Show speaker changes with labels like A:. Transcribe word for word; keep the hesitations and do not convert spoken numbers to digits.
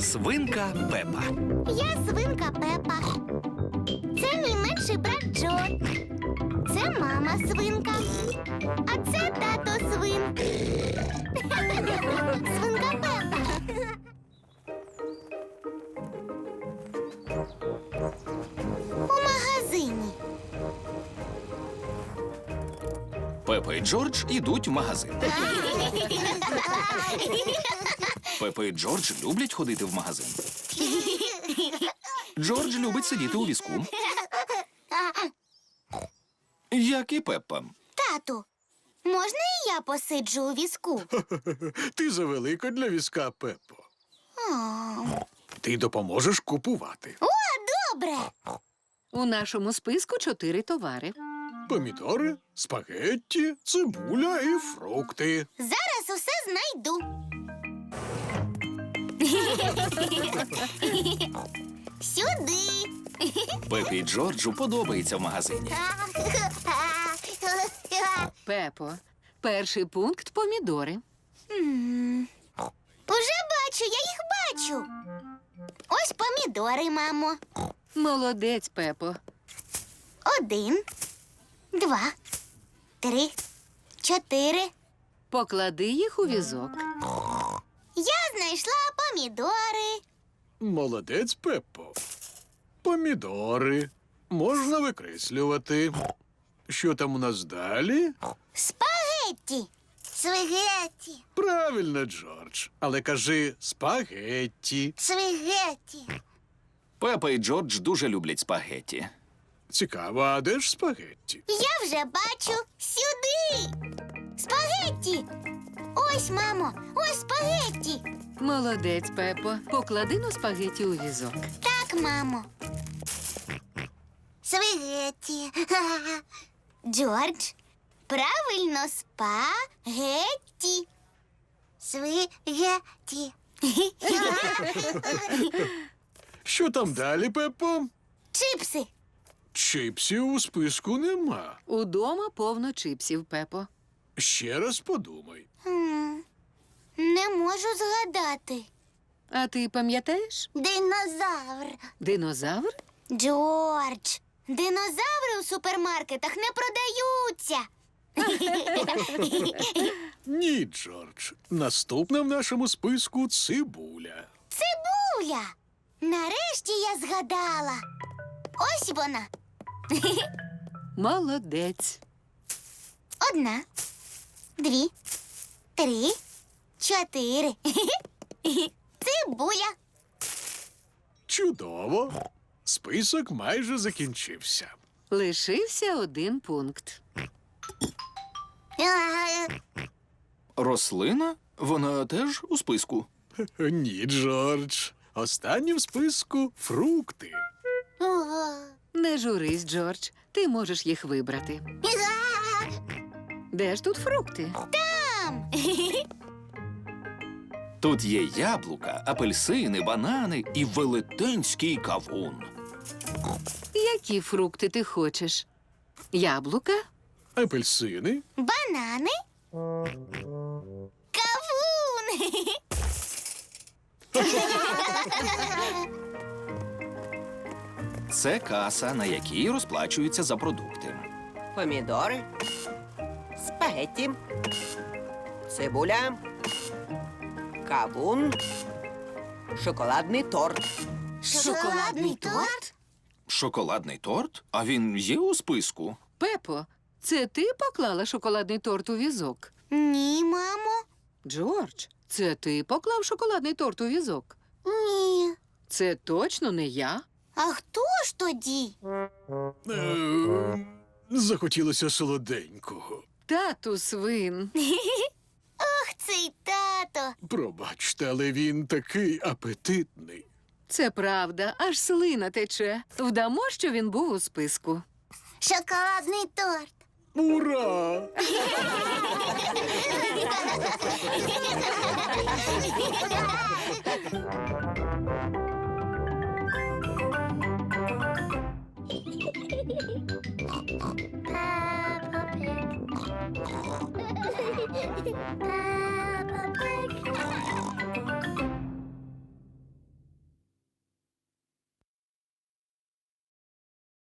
A: Свинка Пепа.
B: Я свинка Пепа. Це мій менший брат Джо. Це мама свинка. А це тато свин. Свинка Пепа. У магазині.
A: Пепа і Джордж ідуть в магазин. Пепа і Джордж люблять ходити в магазин. Джордж любить сидіти у візку. Як і Пеппа.
B: Тату, можна і я посиджу у візку?
C: Ти завелика для візка, Пеппо.
B: О,
C: Ти допоможеш купувати.
B: О, добре.
D: У нашому списку чотири товари.
C: Помідори, спагетті, цибуля і фрукти.
B: Зараз усе знайду. Сюди.
A: Пепі і Джорджу подобається в магазині.
D: Пепо, перший пункт – помідори.
B: М, Уже бачу, я їх бачу. Ось помідори, мамо.
D: Молодець, Пепо.
B: Один, два, три, чотири.
D: Поклади їх у візок.
B: Я знайшла помідори.
C: Молодець, Пеппо. Помідори. Можна викреслювати. Що там у нас далі?
B: Спагетті. Свигетті.
C: Правильно, Джордж. Але кажи спагетті.
B: Свигетті.
A: Пепа і Джордж дуже люблять спагетті.
C: Цікаво, а де ж спагетті?
B: Я вже бачу. Сюди. Спагетті. Ось, мамо, ось спагетті.
D: Молодець, Пепо. Поклади на спагеті у візок.
B: Так, мамо. Спагетті. Джордж, правильно, спагетті. Спагетті.
C: Що там далі, Пеппо?
B: Чипси.
C: Чипсів у списку нема.
D: Удома повно чипсів, Пепо.
C: Ще раз подумай.
B: М, Не можу згадати.
D: А ти пам'ятаєш?
B: Динозавр.
D: Динозавр?
B: Джордж, динозаври у супермаркетах не продаються.
C: Ні, Джордж. Наступна в нашому списку цибуля.
B: Цибуля. Нарешті я згадала. Ось вона.
D: Молодець.
B: Одна, дві, три, чотири. Цибуля.
C: Чудово. Список майже закінчився.
D: Лишився один пункт.
A: Рослина? Вона теж у списку.
C: Ні, Джордж. Останній в списку фрукти.
D: Не журись, Джордж. Ти можеш їх вибрати. Де ж тут фрукти?
B: Там.
A: Тут є яблука, апельсини, банани і велетенський кавун.
D: Які фрукти ти хочеш? Яблука?
C: Апельсини.
B: Банани. Кавун.
A: Це каса, на якій розплачуються за продукти.
E: Помідори, спагетті, цибуля, кавун, шоколадний торт.
B: Шоколадний торт?
A: Шоколадний торт? А він є у списку?
D: Пепо, це ти поклала шоколадний торт у візок?
B: Ні, мамо.
D: Джордж, це ти поклав шоколадний торт у візок?
B: Ні.
D: Це точно не я.
B: А хто ж тоді?
C: Е, Захотілося солоденького.
D: Тату свин.
B: Ох, цей тато.
C: Пробачте, але він такий апетитний.
D: Це правда, аж слина тече. Вдамо, що він був у списку.
B: Шоколадний торт.
C: Ура!